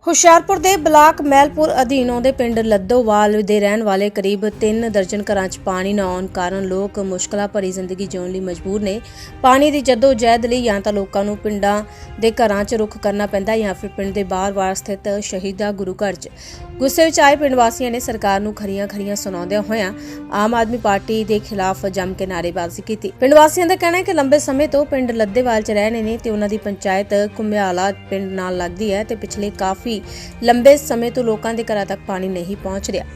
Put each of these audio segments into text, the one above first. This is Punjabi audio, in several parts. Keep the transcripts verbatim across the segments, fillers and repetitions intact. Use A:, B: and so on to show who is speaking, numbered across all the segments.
A: ਹੁਸ਼ਿਆਰਪੁਰ ਦੇ ਬਲਾਕ ਮਹਿਲਪੁਰ ਅਧੀਨ ਆਉਂਦੇ ਪਿੰਡ ਲੱਦੋਵਾਲ ਦੇ ਰਹਿਣ ਵਾਲੇ ਕਰੀਬ ਤਿੰਨ ਦਰਜਨ ਘਰਾਂ 'ਚ ਪਾਣੀ ਨਾ ਆਉਣ ਕਾਰਨ ਲੋਕ ਮੁਸ਼ਕਲਾਂ ਭਰੀ ਜ਼ਿੰਦਗੀ ਜਿਉਣ ਲਈ ਮਜਬੂਰ ਨੇ। ਪਾਣੀ ਦੀ ਜੱਦੋ-ਜਹਿਦ ਲਈ ਜਾਂ ਤਾਂ ਲੋਕਾਂ ਨੂੰ ਪਿੰਡਾਂ ਦੇ ਘਰਾਂ 'ਚ ਰੁੱਖ ਕਰਨਾ ਪੈਂਦਾ ਜਾਂ ਫਿਰ ਪਿੰਡ ਦੇ ਬਾਹਰ-ਬਾਹਰ ਸਥਿਤ ਸ਼ਹੀਦਾ ਗੁਰੂ ਘਰ 'ਚ। ਗੁੱਸੇ ਵਿੱਚ ਆਏ ਪਿੰਡ ਵਾਸੀਆਂ ਨੇ ਸਰਕਾਰ ਨੂੰ ਖਰੀਆਂ-ਖਰੀਆਂ ਸੁਣਾਉਂਦਿਆਂ ਹੋਇਆਂ ਆਮ ਆਦਮੀ ਪਾਰਟੀ ਦੇ ਖਿਲਾਫ ਜੰਮ ਕੇ ਨਾਅਰੇਬਾਜ਼ੀ ਕੀਤੀ। ਪਿੰਡ ਵਾਸੀਆਂ ਦਾ ਕਹਿਣਾ ਹੈ ਕਿ ਲੰਬੇ ਸਮੇਂ ਤੋਂ ਪਿੰਡ ਲੱਦੇਵਾਲ 'ਚ ਰਹਿ ਰਹੇ ਨੇ ਤੇ ਉਹਨਾਂ ਦੀ ਪੰਚਾਇਤ ਘੁਮਿਆਲਾ ਪਿੰਡ ਨਾਲ ਲੱਗਦੀ ਹੈ ਤੇ ਪਿਛਲੇ ਕਾਫੀ ਲੰਬੇ ਸਮੇਂ ਤੋਂ ਲੋਕਾਂ ਦੇ ਘਰਾਂ ਤੱਕ ਪਾਣੀ ਨਹੀਂ ਪਹੁੰਚ ਰਿਹਾ।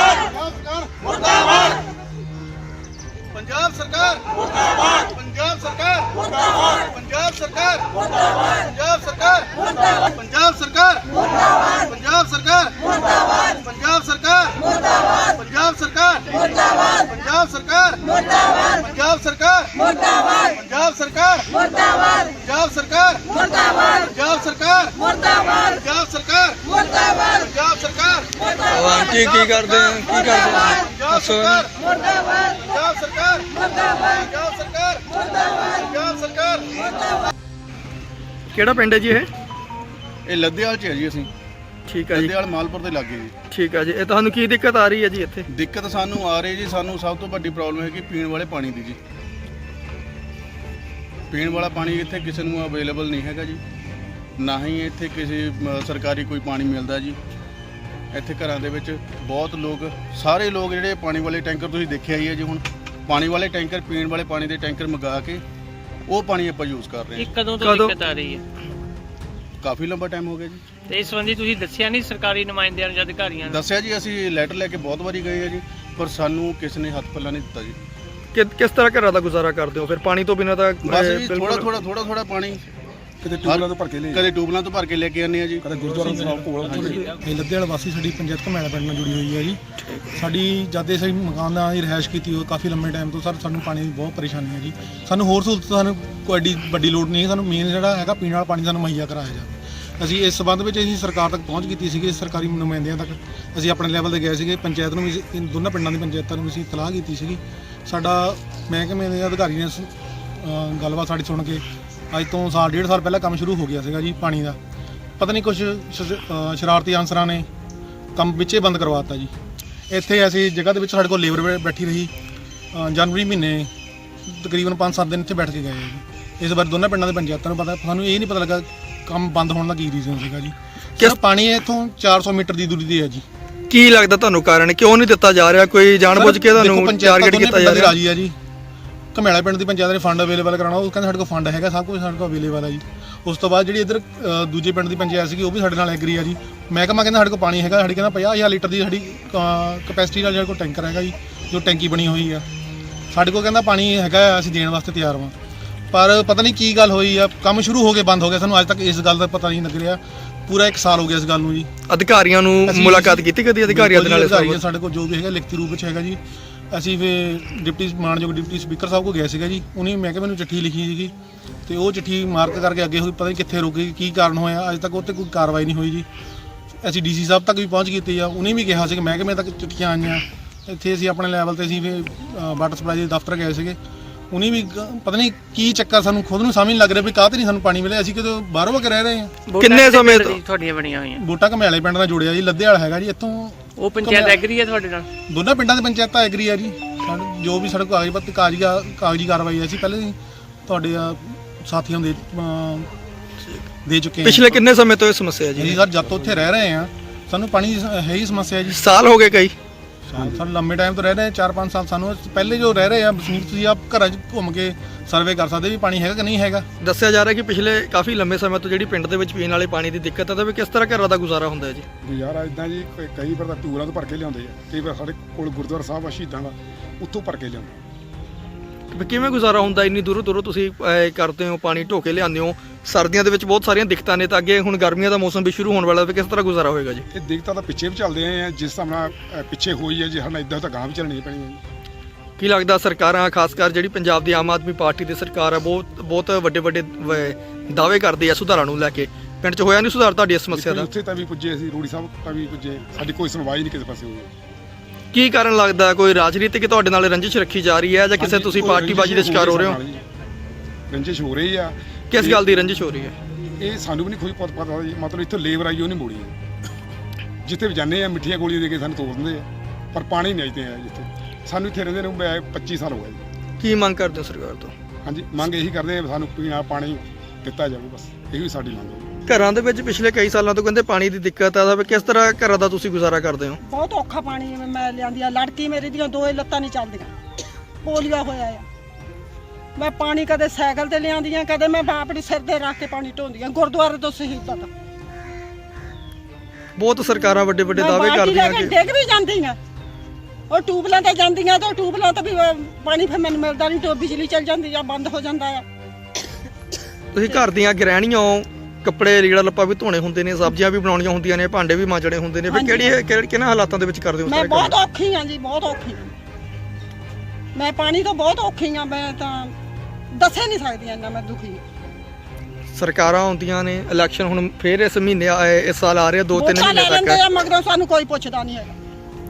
B: ਪੰਜਾਬ ਸਰਕਾਰ ਮੁਰਦਾਬਾਦ, ਪੰਜਾਬ ਸਰਕਾਰ ਮੁਰਦਾਬਾਦ, ਪੰਜਾਬ ਸਰਕਾਰ ਮੁਰਦਾਬਾਦ, ਪੰਜਾਬ ਸਰਕਾਰ ਮੁਰਦਾਬਾਦ, ਪੰਜਾਬ ਸਰਕਾਰ ਮੁਰਦਾਬਾਦ, ਪੰਜਾਬ ਸਰਕਾਰ ਮੁਰਦਾਬਾਦ, ਪੰਜਾਬ ਸਰਕਾਰ ਮੁਰਦਾਬਾਦ, ਪੰਜਾਬ ਸਰਕਾਰ ਮੁਰਦਾਬਾਦ, ਪੰਜਾਬ ਸਰਕਾਰ ਮੁਰਦਾਬਾਦ, ਪੰਜਾਬ ਸਰਕਾਰ ਮੁਰਦਾਬਾਦ, ਪੰਜਾਬ ਸਰਕਾਰ ਮੁਰਦਾਬਾਦ, ਪੰਜਾਬ ਸਰਕਾਰ ਮੁਰਦਾਬਾਦ, ਪੰਜਾਬ ਸਰਕਾਰ ਮੁਰਦਾਬਾਦ, ਪੰਜਾਬ ਸਰਕਾਰ ਮੁਰਦਾਬਾਦ, ਪੰਜਾਬ ਸਰਕਾਰ ਮੁਰਦਾਬਾਦ।
C: ਕੀ ਕੀ ਕਰਦੇ ਆ ਕੀ ਕਰਦੇ
B: ਪੰਜਾਬ ਸਰਕਾਰ ਮੁਰਦਾਬਾਦ, ਪੰਜਾਬ ਸਰਕਾਰ ਮੁਰਦਾਬਾਦ, ਪੰਜਾਬ ਸਰਕਾਰ ਮੁਰਦਾਬਾਦ, ਪੰਜਾਬ ਸਰਕਾਰ ਮੁਰਦਾਬਾਦ।
C: ਕਿਹੜਾ ਪਿੰਡ ਹੈ ਜੀ ਇਹ?
B: ਇਹ ਲੱਦੇਵਾਲ ਚ ਹੈ ਜੀ। ਅਸੀਂ
C: ਠੀਕ ਹੈ ਜੀ,
B: ਲੱਦੇਵਾਲ ਮਾਲਪੁਰ ਦੇ ਲਾਗੇ ਜੀ।
C: ਠੀਕ ਹੈ ਜੀ। ਇਹ ਤੁਹਾਨੂੰ ਕੀ ਦਿੱਕਤ ਆ ਰਹੀ ਹੈ ਜੀ ਇੱਥੇ?
B: ਦਿੱਕਤ ਸਾਨੂੰ ਆ ਰਹੀ ਜੀ, ਸਾਨੂੰ ਸਭ ਤੋਂ ਵੱਡੀ ਪ੍ਰੋਬਲਮ ਹੈ ਕਿ ਪੀਣ ਵਾਲੇ ਪਾਣੀ ਦੀ ਜੀ। ਪੀਣ ਵਾਲਾ ਪਾਣੀ ਇੱਥੇ ਕਿਸੇ ਨੂੰ ਅਵੇਲੇਬਲ ਨਹੀਂ ਹੈਗਾ ਜੀ, ਨਾ ਹੀ ਇੱਥੇ ਕਿਸੇ ਅ, ਸਰਕਾਰੀ ਕੋਈ ਪਾਣੀ ਮਿਲਦਾ ਜੀ। ਇੱਥੇ ਘਰਾਂ ਦੇ ਵਿੱਚ ਬਹੁਤ ਲੋਕ, ਸਾਰੇ ਲੋਕ ਜਿਹੜੇ ਪਾਣੀ ਵਾਲੇ ਟੈਂਕਰ ਤੁਸੀਂ ਦੇਖਿਆ ਹੀ ਹੈ ਜੀ। ਹੁਣ ਪਾਣੀ ਵਾਲੇ ਟੈਂਕਰ, ਪੀਣ ਵਾਲੇ ਪਾਣੀ ਦੇ ਟੈਂਕਰ ਮੰਗਾ ਕੇ ਉਹ ਪਾਣੀ ਆਪਾਂ ਯੂਜ਼ ਕਰ ਰਹੇ
D: ਇਹ
B: ਹਾਂ।
D: ਕਦੋਂ ਤੋਂ ਦਿੱਕਤ ਆ ਰਹੀ ਹੈ?
B: ਕਾਫੀ ਲੰਬਾ ਟਾਈਮ ਹੋ ਗਿਆ ਜੀ।
D: ਤੇ ਇਸ ਸੰਬੰਧੀ ਤੁਸੀਂ ਦੱਸਿਆ ਨਹੀਂ ਸਰਕਾਰੀ ਨੁਮਾਇੰਦਿਆਂ ਨੂੰ ਜਾਂ ਅਧਿਕਾਰੀਆਂ ਨੂੰ?
B: ਦੱਸਿਆ ਜੀ, ਅਸੀਂ ਲੈਟਰ ਲੈ ਕੇ ਬਹੁਤ ਵਾਰੀ ਗਏ ਆ ਜੀ, ਪਰ ਸਾਨੂੰ ਕਿਸੇ ਨੇ ਹੱਥ ਪੱਲਾ ਨਹੀਂ ਦਿੱਤਾ ਜੀ।
C: ਕਿ ਕਿਸ ਤਰ੍ਹਾਂ ਘਰਾਂ ਦਾ ਗੁਜ਼ਾਰਾ ਕਰਦੇ ਹੋ ਫਿਰ? ਪਾਣੀ ਤੋਂ ਬਿਨਾਂ ਤਾਂ
B: ਬਸ
C: ਅਹ,
B: ਜੀ
C: ਬਿਲਕੁਲ-
B: ਥੋੜਾ ਥੋੜਾ ਥੋੜਾ ਥੋੜਾ ਪਾਣੀ
E: ਕਿਤੇ ਟਿਊਬਲਾਂ ਤੋਂ ਭਰ ਕੇ ਲੈ
B: ਕਦੇ ਟਿਊਬਲਾਂ ਤੋਂ ਭਰ ਕੇ ਲੈ ਕੇ ਆਉਂਦੇ ਆ ਜੀ।
E: ਕਦੇ ਗੁਰਦੁਆਰਾ ਸਾਹਿਬ ਕੋਲ ਇਹ ਲੱਦੇਵਾਲ ਵਾਸੀ ਸਾਡੀ ਪੰਚਾਇਤ ਘੁਮਿਆਲਾ ਪਿੰਡ ਨਾਲ ਜੁੜੀ ਹੋਈ ਹੈ ਜੀ। ਸਾਡੀ ਜਦ ਦੇ ਅਸੀਂ ਮਕਾਨਾਂ ਦੀ ਰਿਹਾਇਸ਼ ਕੀਤੀ ਹੋਈ ਕਾਫੀ ਲੰਮੇ ਟਾਈਮ ਤੋਂ ਸਰ ਸਾਨੂੰ ਪਾਣੀ ਦੀ ਬਹੁਤ ਪਰੇਸ਼ਾਨੀ ਹੈ ਜੀ। ਸਾਨੂੰ ਹੋਰ ਸਹੂਲਤ ਸਾਨੂੰ ਕੋਈ ਐਡੀ ਵੱਡੀ ਲੋੜ ਨਹੀਂ ਹੈ, ਸਾਨੂੰ ਮੇਨ ਜਿਹੜਾ ਹੈਗਾ ਪੀਣ ਵਾਲਾ ਪਾਣੀ ਸਾਨੂੰ ਮੁਹੱਈਆ ਕਰਾਇਆ ਜਾਵੇ। ਅਸੀਂ ਇਸ ਸਬੰਧ ਵਿੱਚ ਅਸੀਂ ਸਰਕਾਰ ਤੱਕ ਪਹੁੰਚ ਕੀਤੀ ਸੀਗੀ, ਸਰਕਾਰੀ ਨੁਮਾਇੰਦਿਆਂ ਤੱਕ ਅਸੀਂ ਆਪਣੇ ਲੈਵਲ ਤੇ ਗਏ ਸੀਗੇ। ਪੰਚਾਇਤ ਨੂੰ ਵੀ, ਇਨ ਦੋਨਾਂ ਪਿੰਡਾਂ ਦੀ ਪੰਚਾਇਤਾਂ ਨੂੰ ਵੀ ਅਸੀਂ ਇਤਲਾਹ ਕੀਤੀ ਸੀਗੀ। ਸਾਡਾ ਮਹਿਕਮੇ ਦੇ ਅਧਿਕਾਰੀ ਨੇ ਅ, ਗੱਲਬਾਤ ਸਾਡੀ ਸੁਣ ਕੇ ਅੱਜ ਤੋਂ ਸਾਲ ਡੇਢ ਸਾਲ ਪਹਿਲਾਂ ਕੰਮ ਸ਼ੁਰੂ ਹੋ ਗਿਆ ਸੀਗਾ ਜੀ ਪਾਣੀ ਦਾ। ਪਤਾ ਨਹੀਂ ਕੁਝ ਸ਼ਰਾਰਤੀ ਅਨਸਰਾਂ ਨੇ ਕੰਮ ਵਿੱਚੇ ਬੰਦ ਕਰਵਾਤਾ ਜੀ। ਇੱਥੇ ਐਸੀ ਜਗ੍ਹਾ ਦੇ ਵਿੱਚ ਸਾਡੇ ਕੋਲ ਲੇਬਰ ਬੈਠੀ ਰਹੀ ਅ, ਜਨਵਰੀ ਮਹੀਨੇ ਤਕਰੀਬਨ ਪੰਜ ਸੱਤ ਦਿਨ ਇੱਥੇ ਬੈਠ ਕੇ ਗਏ ਜੀ। ਇਸ ਵਾਰ ਦੋਨਾਂ ਪਿੰਡਾਂ ਦੇ ਪੰਚਾਇਤਾਂ ਨੂੰ ਪਤਾ, ਸਾਨੂੰ ਇਹ ਨਹੀਂ ਪਤਾ ਲੱਗਾ ਕੰਮ ਬੰਦ ਹੋਣ ਦਾ ਕੀ ਰੀਜ਼ਨ ਸੀਗਾ ਜੀ। ਕਿਸ ਪਾਣੀ ਇੱਥੋਂ ਚਾਰ ਸੌ ਮੀਟਰ ਦੀ ਦੂਰੀ ਤੇ ਹੈ ਜੀ।
C: ਕੀ ਲੱਗਦਾ ਤੁਹਾਨੂੰ ਕਾਰਨ ਕਿਉਂ ਨਹੀਂ ਦਿੱਤਾ ਜਾ ਰਿਹਾ? ਕੋਈ ਜਾਣਬੁੱਝ ਕੇ ਤੁਹਾਨੂੰ ਟਾਰਗੇਟ ਕੀਤਾ ਜਾ ਰਿਹਾ?
E: ਰਾਜੀ ਆ ਜੀ। ਘੁਮਿਆਲਾ ਪਿੰਡ ਦੀ ਪੰਚਾਇਤ ਨੇ ਫੰਡ ਅਵੇਲੇਬਲ ਕਰਾਉਣਾ, ਉਹ ਕਹਿੰਦੇ ਸਾਡੇ ਕੋਲ ਫੰਡ ਹੈਗਾ, ਸਭ ਕੁਝ ਸਾਡੇ ਕੋਲ ਅਵੇਲੇਬਲ ਆ ਜੀ। ਉਸ ਤੋਂ ਬਾਅਦ ਜਿਹੜੀ ਇੱਧਰ ਅ, ਦੂਜੇ ਪਿੰਡ ਦੀ ਪੰਚਾਇਤ ਸੀਗੀ ਉਹ ਵੀ ਸਾਡੇ ਨਾਲ ਐਗਰੀ ਆ ਜੀ। ਮਹਿਕਮਾ ਕਹਿੰਦਾ ਸਾਡੇ ਕੋਲ ਪਾਣੀ ਹੈਗਾ, ਸਾਡੀ ਕਹਿੰਦਾ ਪੰਜਾਹ ਹਜ਼ਾਰ ਲੀਟਰ ਦੀ ਸਾਡੀ ਕਪੈਸਿਟੀ ਨਾਲ ਸਾਡੇ ਕੋਲ ਟੈਂਕਰ ਹੈਗਾ ਜੀ, ਜੋ ਟੈਂਕੀ ਬਣੀ ਹੋਈ ਆ। ਸਾਡੇ ਕੋਲ ਕਹਿੰਦਾ ਪਾਣੀ ਹੈਗਾ, ਅਸੀਂ ਦੇਣ ਵਾਸਤੇ ਤਿਆਰ ਹਾਂ। ਪਰ ਪਤਾ ਨਹੀਂ ਕੀ ਗੱਲ ਹੋਈ ਆ, ਕੰਮ ਸ਼ੁਰੂ ਹੋ ਕੇ ਬੰਦ ਹੋ ਗਿਆ। ਸਾਨੂੰ ਅੱਜ ਤੱਕ ਇਸ ਗੱਲ ਦਾ ਪਤਾ ਨਹੀਂ ਲੱਗ ਰਿਹਾ। ਪੂਰਾ ਇੱਕ ਸਾਲ ਹੋ ਗਿਆ ਇਸ ਗੱਲ ਨੂੰ ਜੀ।
C: ਅਧਿਕਾਰੀਆਂ ਨੂੰ ਮੁਲਾਕਾਤ ਕੀਤੀ ਕਦੀ ਅਧਿਕਾਰੀਆਂ ਦੇ ਨਾਲ?
E: ਅਧਿਕਾਰੀਆਂ ਸਾਡੇ ਕੋਲ ਜੋ ਵੀ ਹੈਗਾ ਲਿਖਤੀ ਰੂਪ ਵਿੱਚ ਹੈਗਾ ਜੀ। ਅਸੀਂ ਫਿਰ ਡਿਪਟੀ ਮਾਨਯੋਗ ਡਿਪਟੀ ਸਪੀਕਰ ਸਾਹਿਬ ਕੋਲ ਗਏ ਸੀਗਾ ਜੀ। ਉਹਨੇ ਮਹਿਕਮੇ ਨੂੰ ਚਿੱਠੀ ਲਿਖੀ ਸੀਗੀ ਤੇ ਉਹ ਚਿੱਠੀ ਮਾਰਕ ਕਰਕੇ ਅੱਗੇ ਹੋਈ, ਪਤਾ ਨਹੀਂ ਕਿੱਥੇ ਰੁਕ ਗਈ, ਕੀ ਕਾਰਨ ਹੋਇਆ। ਅੱਜ ਤੱਕ ਉਹ 'ਤੇ ਕੋਈ ਕਾਰਵਾਈ ਨਹੀਂ ਹੋਈ ਜੀ। ਅਸੀਂ ਡੀਸੀ ਸਾਹਿਬ ਤੱਕ ਵੀ ਪਹੁੰਚ ਕੀਤੀ ਆ, ਉਹਨੇ ਵੀ ਕਿਹਾ ਸੀ ਕਿ ਮਹਿਕਮੇ ਤੱਕ ਚਿੱਠੀਆਂ ਆਈਆਂ। ਇੱਥੇ ਅਸੀਂ ਆਪਣੇ ਲੈਵਲ 'ਤੇ ਅਸੀਂ ਫਿਰ ਵਾਟਰ ਸਪਲਾਈ ਦੇ ਦਫ਼ਤਰ ਗਏ ਸੀਗੇ। ਉਹਨੇ ਵੀ ਪਤਾ ਨਹੀਂ ਕੀ ਚੱਕਰ, ਸਾਨੂੰ ਖੁਦ ਨੂੰ ਸਮਝ ਨਹੀਂ ਲੱਗ ਰਿਹਾ ਵੀ ਕਾਹਤੇ ਨਹੀਂ ਸਾਨੂੰ ਪਾਣੀ ਮਿਲਿਆ। ਅਸੀਂ ਕਿਤੇ ਬਾਹਰੋਂ ਕੇ ਰਹਿ ਰਹੇ ਹਾਂ।
C: ਕਿੰਨੇ ਸਮੇਂ ਤੋਂ
D: ਤੁਹਾਡੀਆਂ ਬਣੀਆਂ ਹੋਈਆਂ?
E: ਵੋਟਾਂ ਘੁਮਿਆਲੇ ਪਿੰਡ ਨਾਲ ਜੁੜਿਆ ਜੀ, ਲੱਦੇਵਾਲ ਹੈਗਾ ਜੀ। ਇੱਥੋਂ
D: ਉਹ ਪੰਚਾਇਤ ਐਗਰੀ ਹੈ ਤੁਹਾਡੇ ਨਾਲ?
E: ਦੋਨਾਂ ਪਿੰਡਾਂ ਦੇ ਪੰਚਾਇਤਾਂ ਐਗਰੀ ਆ ਜੀ। ਸਾਨੂੰ ਜੋ ਵੀ ਸਾਡੇ ਕੋਲ ਕਾਗਜ਼ ਪੱਤਰ ਕਾਗਜ਼ੀ ਕਾਗਜ਼ੀ ਕਾਰਵਾਈ ਹੈ, ਅਸੀਂ ਪਹਿਲੇ ਹੀ ਤੁਹਾਡੇ ਸਾਥੀਆਂ ਦੇ ਅਮ, ਦੇ ਚੁੱਕੇ ਹਾਂ।
C: ਪਿਛਲੇ ਕਿੰਨੇ ਸਮੇਂ ਤੋਂ ਇਹ ਸਮੱਸਿਆ ਹੈ
E: ਜੀ
C: ਜੀ?
E: ਸਰ ਜਦ ਤੋਂ ਉੱਥੇ ਰਹਿ ਰਹੇ ਹਾਂ ਸਾਨੂੰ ਪਾਣੀ ਦੀ ਹੈ ਹੀ ਸਮੱਸਿਆ ਜੀ।
C: ਸਾਲ ਹੋ ਗਏ ਕਈ?
E: ਸਾਨੂੰ ਲੰਮੇ ਟਾਈਮ ਤੋਂ ਰਹਿ ਰਹੇ ਚਾਰ ਪੰਜ ਸਾਲ। ਸਾਨੂੰ ਪਹਿਲੇ ਜੋ ਰਹਿ ਰਹੇ ਆ ਵਸਨੀਕ, ਤੁਸੀਂ ਆਪ ਘਰਾਂ 'ਚ ਘੁੰਮ ਕੇ ਸਰਵੇ ਕਰ ਸਕਦੇ ਵੀ ਪਾਣੀ ਹੈਗਾ ਕਿ ਨਹੀਂ ਹੈਗਾ।
C: ਦੱਸਿਆ ਜਾ ਰਿਹਾ ਕਿ ਪਿਛਲੇ ਕਾਫੀ ਲੰਮੇ ਸਮੇਂ ਤੋਂ ਜਿਹੜੀ ਪਿੰਡ ਦੇ ਵਿੱਚ ਪੀਣ ਵਾਲੇ ਪਾਣੀ ਦੀ ਦਿੱਕਤ ਹੈ, ਤਾਂ ਵੀ ਕਿਸ ਤਰ੍ਹਾਂ ਘਰਾਂ ਦਾ ਗੁਜ਼ਾਰਾ ਹੁੰਦਾ ਹੈ ਜੀ?
E: ਗੁਜ਼ਾਰਾ ਇਦਾਂ ਜੀ, ਕਈ ਵਾਰ ਤਾਂ ਟੂਰਾਂ ਤੋਂ ਭਰ ਕੇ ਲਿਆਉਂਦੇ ਆ, ਕਈ ਵਾਰ ਸਾਡੇ ਕੋਲ ਗੁਰਦੁਆਰਾ ਸਾਹਿਬ ਆ ਸ਼ਹੀਦਾਂ ਦਾ, ਉੱਥੋਂ ਭਰ ਕੇ ਲਿਆਉਂਦੇ।
C: ਵੀ ਕਿਵੇਂ ਗੁਜ਼ਾਰਾ ਹੁੰਦਾ? ਇੰਨੀ ਦੂਰੋਂ ਦੂਰੋਂ ਤੁਸੀਂ ਅਹ, ਕਰਦੇ ਹੋ, ਪਾਣੀ ਢੋ ਕੇ ਲਿਆਉਂਦੇ ਹੋ। ਸਰਦੀਆਂ ਦੇ ਵਿੱਚ ਬਹੁਤ ਸਾਰੀਆਂ ਦਿੱਕਤਾਂ ਨੇ, ਤਾਂ ਅੱਗੇ ਹੁਣ ਗਰਮੀਆਂ ਦਾ ਮੌਸਮ ਵੀ ਸ਼ੁਰੂ ਹੋਣ ਵਾਲਾ, ਵੀ ਕਿਸ ਤਰ੍ਹਾਂ ਗੁਜ਼ਾਰਾ ਹੋਏਗਾ ਜੀ?
E: ਇਹ ਦਿੱਕਤਾਂ ਤਾਂ ਪਿੱਛੇ ਵੀ ਚੱਲਦੇ ਆਏ ਆ, ਜਿਸ ਹਿਸਾਬ ਨਾਲ ਅ, ਪਿੱਛੇ ਹੋਈ ਹੈ ਜੀ, ਹੁਣ ਇਦਾਂ ਤਾਂ ਗਾਂਹ ਵੀ ਚੱਲਣੀ ਪੈਣੀ ਹੈ ਜੀ।
C: ਕੀ ਲੱਗਦਾ ਸਰਕਾਰਾਂ, ਖਾਸ ਕਰ ਜਿਹੜੀ ਪੰਜਾਬ ਦੀ ਆਮ ਆਦਮੀ ਪਾਰਟੀ ਦੀ ਸਰਕਾਰ ਹੈ, ਬਹੁਤ ਬਹੁਤ ਵੱਡੇ ਵੱਡੇ ਦਾਅਵੇ ਕਰਦੀ ਹੈ ਸੁਧਾਰਾਂ ਨੂੰ ਲੈ ਕੇ, ਪਿੰਡ 'ਚ ਹੋਇਆ ਨਹੀਂ ਸੁਧਾਰ ਤੁਹਾਡੀ ਇਸ ਸਮੱਸਿਆ ਦਾ?
E: ਉੱਥੇ ਤਾਂ ਵੀ ਪੁੱਜੇ ਅਸੀਂ, ਰੂੜੀ ਸਾਹਿਬ ਤਾਂ ਵੀ ਪੁੱਜੇ, ਸਾਡੀ ਕੋਈ ਸੁਣਵਾਈ ਨਹੀਂ ਕਿਸੇ ਪਾਸੇ ਹੋਈ।
C: ਕੀ ਕਾਰਨ ਲੱਗਦਾ? ਕੋਈ ਰਾਜਨੀਤਿਕ ਤੁਹਾਡੇ ਨਾਲ ਰੰਜਿਸ਼ ਰੱਖੀ ਜਾ ਰਹੀ ਹੈ ਜਾਂ ਕਿਸੇ ਤੁਸੀਂ ਪਾਰਟੀਬਾਜ਼ੀ ਦੇ ਸ਼ਿਕਾਰ ਹੋ ਰਹੇ ਹੋ?
E: ਰੰਜਿਸ਼ ਹੋ ਰਹੀ ਆ।
C: ਕਿਸ ਗੱਲ ਦੀ ਰੰਜਿਸ਼ ਹੋ ਰਹੀ ਹੈ?
F: ਇਹ ਸਾਨੂੰ ਵੀ ਨਹੀਂ ਕੋਈ ਪਤਾ ਪਤਾ ਜੀ, ਮਤਲਬ ਇੱਥੇ ਲੇਬਰ ਆਈ ਉਹ ਨਹੀਂ ਮੋੜੀ ਹੈ। ਜਿੱਥੇ ਵੀ ਜਾਂਦੇ ਆ ਮਿੱਠੀਆਂ ਗੋਲੀਆਂ ਦੇ ਕੇ ਸਾਨੂੰ ਤੋੜ ਦਿੰਦੇ ਆ, ਪਰ ਪਾਣੀ ਨਹੀਂ ਆਈਦੇ ਆ ਜਿੱਥੇ। ਸਾਨੂੰ ਇੱਥੇ ਰਹਿੰਦੇ ਨੂੰ ਪੱਚੀ ਸਾਲ ਹੋ ਗਏ ਜੀ।
C: ਕੀ ਮੰਗ ਕਰਦੇ ਹੋ ਸਰਕਾਰ ਤੋਂ?
F: ਹਾਂਜੀ, ਮੰਗ ਇਹੀ ਕਰਦੇ ਆ ਸਾਨੂੰ ਪੀਣ ਵਾਲਾ ਪਾਣੀ ਦਿੱਤਾ ਜਾਵੇ, ਬਸ ਇਹੀ ਸਾਡੀ ਮੰਗ ਹੈ।
C: ਘਰਾਂ ਦੇ ਵਿੱਚ ਪਿਛਲੇ ਕਈ ਸਾਲਾਂ ਤੋਂ ਕਹਿੰਦੇ ਪਾਣੀ ਦੀ ਦਿੱਕਤ ਆ, ਤਾਂ ਕਿਸ ਤਰ੍ਹਾਂ ਘਰਾਂ ਦਾ ਤੁਸੀਂ ਗੁਜ਼ਾਰਾ ਕਰਦੇ ਹੋ?
G: ਬਹੁਤ ਔਖਾ ਪਾਣੀ ਮੈਂ ਲਿਆਂਦੀ ਆ, ਲੜਕੀ ਮੇਰੀ ਦੀਆਂ ਦੋਏ ਲੱਤਾਂ ਨਹੀਂ ਚੱਲਦੀਆਂ, ਪੋਲੀਆ ਹੋਇਆ ਆ। ਮੈਂ ਪਾਣੀ ਕਦੇ ਸਾਈਕਲ ਤੇ ਲਿਆਂਦੀ ਆ, ਕਦੇ ਮੈਂ ਆਪਣੀ ਸਿਰ ਤੇ ਰੱਖ ਕੇ ਪਾਣੀ ਢੋਂਦੀ ਆ ਗੁਰਦੁਆਰੇ ਤੋਂ ਸ਼ਹੀਦਾਂ ਤੱਕ।
C: ਬਹੁਤ ਸਰਕਾਰਾਂ ਵੱਡੇ ਵੱਡੇ ਦਾਅਵੇ
G: ਮੈਂ
C: ਕਰਦੀਆਂ
G: ਬਾਲਟੀ ਲੈ
C: ਕਿ
G: ਕੇ ਡਿੱਗ ਵੀ ਜਾਂਦੀਆਂ, ਉਹ ਟੂਬਲਾਂ ਤੇ ਜਾਂਦੀਆਂ ਤਾਂ ਟੂਬਲਾਂ ਤੇ ਵੀ ਅਹ, ਪਾਣੀ ਫਿਰ ਮੈਨੂੰ ਮਿਲਦਾ ਨਹੀਂ, ਟੋ ਬਿਜਲੀ ਚੱਲ ਜਾਂਦੀ ਆ, ਬੰਦ ਹੋ ਜਾਂਦਾ ਆ।
C: ਤੁਸੀਂ ਘਰ ਦੀਆਂ ਗ੍ਰਹਿਣੀਆਂ ਹੋ, ਕੱਪੜੇ ਲੀੜਾ ਲੱਪਾ ਵੀ ਧੋਣੇ ਹੁੰਦੇ ਨੇ, ਸਬਜ਼ੀਆਂ ਵੀ ਬਣਾਉਣੀਆਂ ਹੁੰਦੀਆਂ ਨੇ, ਭਾਂਡੇ ਵੀ ਮਾਂਜਣੇ ਹੁੰਦੇ ਨੇ, ਫਿਰ
G: ਹਾਂਜੀ।
C: ਕਿਹੜੀ ਕਿਹੜੇ- ਕਿਹਨਾਂ ਹਾਲਾਤਾਂ ਦੇ ਵਿੱਚ ਕਰਦੇ ਹੋ
G: ਮੈਂ
C: ਸਾਰੇ
G: ਬਹੁਤ
C: ਕੰਮ?
G: ਔਖੀ ਆ ਜੀ, ਬਹੁਤ ਔਖੀ ਆ ਮੈਂ, ਪਾਣੀ ਤੋਂ ਬਹੁਤ ਔਖੀ ਆ ਮੈਂ, ਤਾਂ ਦੱਸੇ ਨਹੀਂ ਸਕਦੀ ਇੰਨਾ ਮੈਂ ਦੁਖੀ ਆ।
C: ਸਰਕਾਰਾਂ ਆਉਂਦੀਆਂ ਨੇ, ਇਲੈਕਸ਼ਨ ਹੁਣ ਫੇਰ ਇਸ ਮਹੀਨੇ ਆਏ, ਇਸ ਸਾਲ ਆ ਰਿਹਾ, ਦੋ ਤਿੰਨ
G: ਵੋਟਾਂ
C: ਮਹੀਨੇ
G: ਲੈ ਲੈਂਦੇ
C: ਤੱਕ।
G: ਆ, ਮਗਰੋਂ ਸਾਨੂੰ ਕੋਈ ਪੁੱਛਦਾ ਨਹੀਂ ਹੈਗਾ।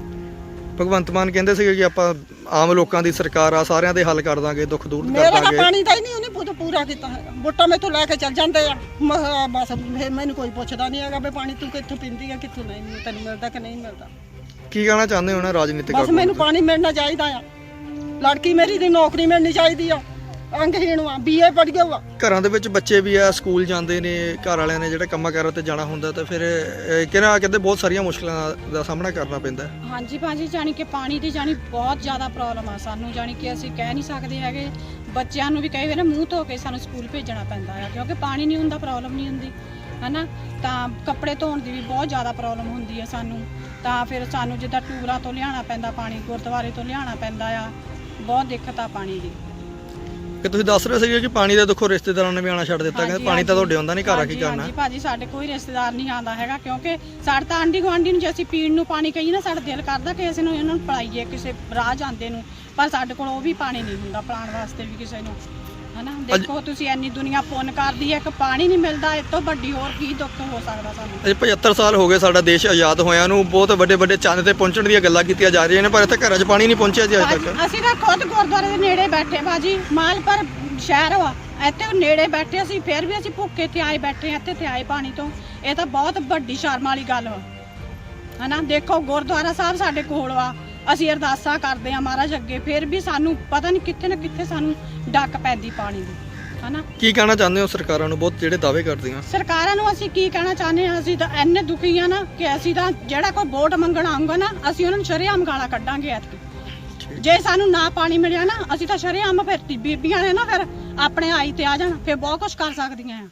C: ਭਗਵੰਤ ਮਾਨ ਕਹਿੰਦੇ ਸੀਗੇ ਕਿ ਆਪਾਂ ਆਮ ਲੋਕਾਂ ਦੀ ਸਰਕਾਰ ਆ, ਸਾਰਿਆਂ ਦੇ ਹੱਲ ਕਰ ਦਾਂਗੇ, ਦੁੱਖ ਦੂਰ ਕਰ
G: ਮੇਰਾ ਤਾਂ
C: ਦਾਂਗੇ।
G: ਪਾਣੀ ਦਾ ਹੀ ਨਹੀਂ ਉਹਨੇ ਪੂਰਾ- ਪੂਰਾ ਕੀਤਾ ਹੈਗਾ। ਵੋਟਾਂ ਮੈਥੋਂ ਲੈ ਕੇ ਚੱਲ ਜਾਂਦੇ ਆ, ਮ- ਬਸ ਫਿਰ ਮੈਨੂੰ ਕੋਈ ਪੁੱਛਦਾ ਨਹੀਂ ਹੈਗਾ ਵੀ ਪਾਣੀ ਤੂੰ ਕਿੱਥੋਂ ਪੀਂਦੀ ਆ, ਕਿੱਥੋਂ ਨਹੀਂ, ਤੈਨੂੰ ਮਿਲਦਾ ਕਿ ਨਹੀਂ ਮਿਲਦਾ।
C: ਕੀ ਕਹਿਣਾ ਚਾਹੁੰਦੇ ਹੋ ਨਾ ਰਾਜਨੀਤਿਕ
G: ਬਸ
C: ਆਗੂਆਂ
G: ਮੈਨੂੰ
C: ਨੂੰ?
G: ਪਾਣੀ ਮਿਲਣਾ ਚਾਹੀਦਾ ਆ, ਲੜਕੀ ਮੇਰੀ ਦੀ ਨੌਕਰੀ ਮਿਲਣੀ ਚਾਹੀਦੀ ਆ, ਅੰਗਹੀਣ ਆ, ਬੀਏ ਪੜ੍ਹ ਗਿਆ ਵਾ।
C: ਘਰਾਂ ਦੇ ਵਿੱਚ ਬੱਚੇ ਵੀ ਆ, ਸਕੂਲ ਜਾਂਦੇ ਨੇ, ਘਰ ਵਾਲਿਆਂ ਨੇ ਜਿਹੜਾ ਕੰਮਾਂ ਕਾਰਾਂ ਤੇ ਜਾਣਾ ਹੁੰਦਾ, ਤਾਂ ਫਿਰ ਅਹ, ਕਿਹਨਾਂ ਕਹਿੰਦੇ ਬਹੁਤ ਸਾਰੀਆਂ ਮੁਸ਼ਕਲਾਂ ਦਾ ਸਾਹਮਣਾ ਕਰਨਾ ਪੈਂਦਾ ਹੈ।
H: ਹਾਂਜੀ ਭਾਜੀ, ਜਾਣੀ ਕਿ ਪਾਣੀ ਦੀ ਜਾਣੀ ਬਹੁਤ ਜ਼ਿਆਦਾ ਪ੍ਰੋਬਲਮ ਆ ਸਾਨੂੰ, ਜਾਣੀ ਕਿ ਅਸੀਂ ਕਹਿ ਨਹੀਂ ਸਕਦੇ ਹੈਗੇ। ਬੱਚਿਆਂ ਨੂੰ ਵੀ ਕਈ ਵਾਰ ਮੂੰਹ ਧੋ ਕੇ ਸਾਨੂੰ ਸਕੂਲ ਭੇਜਣਾ ਪੈਂਦਾ ਆ, ਕਿਉਂਕਿ ਪਾਣੀ ਨਹੀਂ ਹੁੰਦਾ, ਪ੍ਰੋਬਲਮ ਨਹੀਂ ਹੁੰਦੀ ਹਨਾ। ਤਾਂ ਕੱਪੜੇ ਧੋਣ ਦੀ ਵੀ ਬਹੁਤ ਜ਼ਿਆਦਾ ਪ੍ਰੋਬਲਮ ਹੁੰਦੀ ਆ ਸਾਨੂੰ, ਤਾਂ ਫਿਰ ਸਾਨੂੰ ਜਿੱਦਾਂ ਟੂਰਾਂ ਤੋਂ ਲਿਆਉਣਾ ਪੈਂਦਾ ਪਾਣੀ, ਗੁਰਦੁਆਰੇ ਤੋਂ ਲਿਆਉਣਾ ਪੈਂਦਾ ਆ, ਬਹੁਤ ਦਿੱਕਤ ਆ ਪਾਣੀ ਦੀ।
C: ਕਿ ਤੁਸੀਂ ਦੱਸ ਰਹੇ ਸੀਗੇ ਕਿ ਪਾਣੀ ਦਾ ਦੇਖੋ ਰਿਸ਼ਤੇਦਾਰਾਂ ਨੇ ਵੀ ਆਉਣਾ ਛੱਡ ਦਿੱਤਾ, ਕਹਿੰਦੇ
H: ਹਾਂਜੀ,
C: ਪਾਣੀ ਤਾਂ ਤੁਹਾਡੇ ਆਉਂਦਾ ਨਹੀਂ, ਘਰ ਆ ਕੀ
H: ਹਾਂਜੀ,
C: ਕਰਨਾ?
H: ਹਾਂਜੀ ਭਾਜੀ, ਸਾਡੇ ਕੋਈ ਰਿਸ਼ਤੇਦਾਰ ਨਹੀਂ ਆਉਂਦਾ ਹੈਗਾ, ਕਿਉਂਕਿ ਸਾਡੇ ਤਾਂ ਆਂਢੀ ਗੁਆਂਢੀ ਨੂੰ ਜੇ ਅਸੀਂ ਪੀਣ ਨੂੰ ਪਾਣੀ ਕਹੀਏ ਨਾ, ਸਾਡਾ ਦਿਲ ਕਰਦਾ ਕਿ ਅਸੀਂ ਨੂੰ ਇਹਨਾਂ ਨੂੰ ਪਿਲਾਈਏ ਕਿਸੇ ਰਾਹ ਜਾਂਦੇ ਨੂੰ, ਪਰ ਸਾਡੇ ਕੋਲ ਉਹ ਵੀ ਪਾਣੀ ਨਹੀਂ ਹੁੰਦਾ ਪਿਲਾਉਣ ਵਾਸਤੇ ਵੀ ਕਿਸੇ ਨੂੰ ਹਨਾ। ਦੇਖੋ ਤੁਸੀਂ ਇੰਨੀ ਦੁਨੀਆ ਪੁੰਨ ਕਰਦੀ ਹੈ, ਇੱਕ ਪਾਣੀ ਨਹੀਂ ਮਿਲਦਾ, ਇਸ ਤੋਂ ਵੱਡੀ ਹੋਰ ਕੀ ਦੁੱਖ ਹੋ ਸਕਦਾ ਸਾਨੂੰ।
C: ਅਜੇ ਪਝੱਤਰ ਸਾਲ ਹੋ ਗਏ ਸਾਡਾ ਦੇਸ਼ ਆਜ਼ਾਦ ਹੋਇਆ ਨੂੰ, ਬਹੁਤ ਵੱਡੇ ਵੱਡੇ ਚੰਦ ਤੇ ਪਹੁੰਚਣ ਦੀਆਂ ਗੱਲਾਂ ਕੀਤੀਆਂ ਜਾ ਰਹੀਆਂ ਨੇ, ਪਰ ਇੱਥੇ ਘਰਾਂ 'ਚ ਪਾਣੀ ਨਹੀਂ ਪਹੁੰਚਿਆ ਜੀ ਅਜੇ ਤੱਕ।
H: ਅਸੀਂ ਤਾਂ ਖੁਦ ਗੁਰਦੁਆਰੇ ਦੇ ਨੇੜੇ ਬੈਠੇ ਬਾਜੀ, ਮਾਲਪੁਰ ਸ਼ਹਿਰ ਵਾ, ਇੱਥੇ ਨੇੜੇ ਬੈਠੇ ਅਸੀਂ, ਫਿਰ ਵੀ ਅਸੀਂ ਭੁੱਖੇ ਤੇ ਆਏ ਬੈਠੇ ਇੱਥੇ ਤੇ ਆਏ ਪਾਣੀ ਤੋਂ। ਇਹ ਤਾਂ ਬਹੁਤ ਵੱਡੀ ਸ਼ਰਮ ਵਾਲੀ ਗੱਲ ਵਾ ਹਨਾ। ਦੇਖੋ ਗੁਰਦੁਆਰਾ ਸਾਹਿਬ ਸਾਡੇ ਕੋਲ ਵਾ, ਅਸੀਂ ਅਰਦਾਸਾਂ ਕਰਦੇ ਆ ਮਹਾਰਾਜ ਅੱਗੇ, ਫਿਰ ਵੀ ਸਾਨੂੰ ਪਤਾ ਨਹੀਂ ਕਿੱਥੇ ਨਾ ਕਿੱਥੇ ਸਾਨੂੰ ਡੱਕ ਪੈਂਦੀ ਪਾਣੀ ਦੀ ਹਨਾ।
C: ਕੀ ਕਹਿਣਾ ਚਾਹੁੰਦੇ ਹੋ ਸਰਕਾਰਾਂ ਨੂੰ, ਬਹੁਤ ਜਿਹੜੇ ਦਾਅਵੇ ਕਰਦੀਆਂ?
H: ਸਰਕਾਰਾਂ ਨੂੰ ਅਸੀਂ ਕੀ ਕਹਿਣਾ ਚਾਹੁੰਦੇ ਹਾਂ, ਅਸੀਂ ਤਾਂ ਇੰਨੇ ਦੁਖੀ ਆ ਨਾ ਕਿ ਅਸੀਂ ਤਾਂ ਜਿਹੜਾ ਕੋਈ ਵੋਟ ਮੰਗਣ ਆਊਗਾ ਨਾ, ਅਸੀਂ ਉਹਨਾਂ ਨੂੰ ਸ਼ਰੇਆਮ ਗਾਲਾਂ ਕੱਢਾਂਗੇ ਐਤਕੀ। ਜੇ ਸਾਨੂੰ ਨਾ ਪਾਣੀ ਮਿਲਿਆ ਨਾ, ਅਸੀਂ ਤਾਂ ਸ਼ਰੇਆਮ ਫਿਰ ਬੀਬੀਆਂ ਨੇ ਨਾ ਫਿਰ ਆਪਣੇ ਆਈ ਤੇ ਆ ਜਾਣ, ਫਿਰ ਬਹੁਤ ਕੁਝ ਕਰ ਸਕਦੀਆਂ ਆ।